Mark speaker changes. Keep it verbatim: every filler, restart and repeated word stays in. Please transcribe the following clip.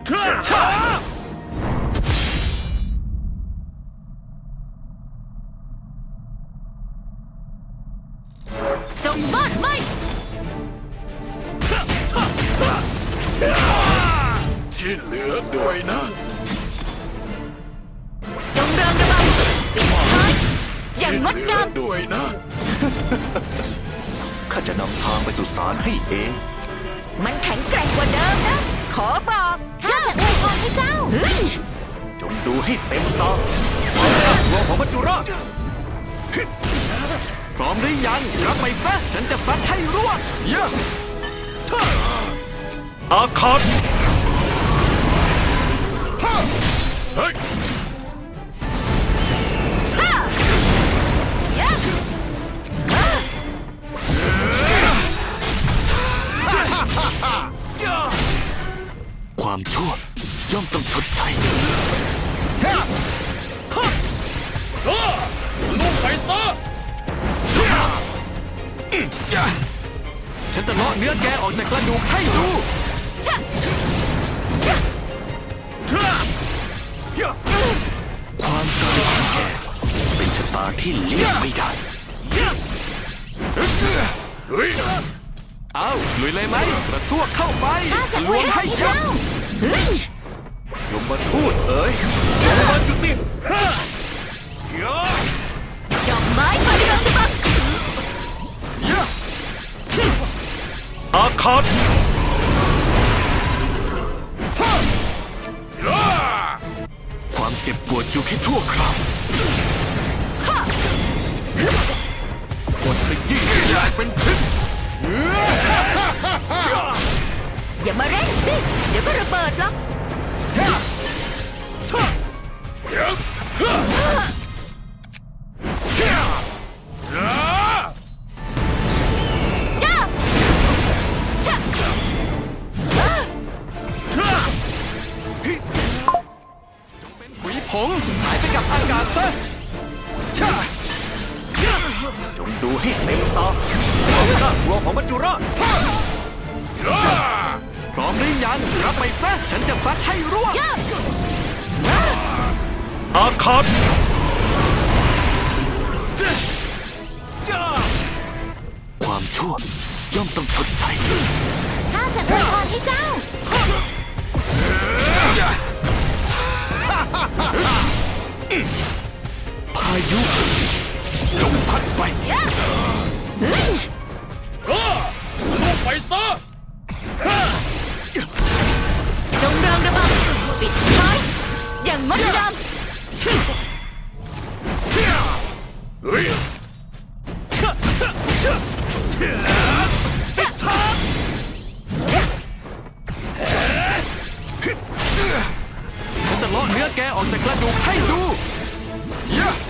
Speaker 1: จงมอดไหม
Speaker 2: ที่เหลือด้วยนะ
Speaker 1: จงเริงระบำปิดท้ายอย่างงดงาม
Speaker 2: ด้วยนะ
Speaker 3: ข้าจะนำทางไปสู่ศาลให้เอง
Speaker 1: มันแข็งแกร่งกว่าเดิมนะ ขอบอกข้าจะอวยพรให้เจ้า
Speaker 3: จงดูให้เต็มตาความน่ากลัวของมัจจุราชพร้อมหรือยังรับไปซะฉันจะฟัดให้ร่วงเยอะอาคาต
Speaker 2: เฮ้ย
Speaker 3: ความชั่วย่อมต้องชดใช้
Speaker 2: ลุกไปซะ
Speaker 3: ฉันจะเลาะเนื้อแกออกจากกระดูกให้ดูความตายของแกเป็นชะตาที่เลี่ยงไม่ได้เอาลุยเลยไหมกระซวกเข้าไปลวงให้ยับยมมาทูตเอ๋ยยมมาจุติ
Speaker 1: ดอกไม้มาเริงระบ
Speaker 3: ำอาคาตความเจ็บปวดอยู่แค่ชั่วคราวปวดขยี้ใหญ่เป็นพิษ
Speaker 1: อย่ามาเร่งสิเดี๋ยวก็ระเบิดหรอก
Speaker 3: ผงหายไปกับอากาศซะจงดูให้เต็มตาความน่ากลัวของมัจจุราชพร้อมหรือยังรับไปซะฉันจะฟัดให้ร่วงอาคาตความชั่วย่อมต้องชดใช้
Speaker 1: ข้าจะอวยพรให้เจ้า
Speaker 3: พายุจงพัดไป
Speaker 2: ลุกไปซะ
Speaker 1: จงเริงระบำปิดท้ายอย่างงดงาม
Speaker 2: เฮ้ย
Speaker 3: ฉันจะเลาะเนื้อแกออกจากกระดูกให้ดู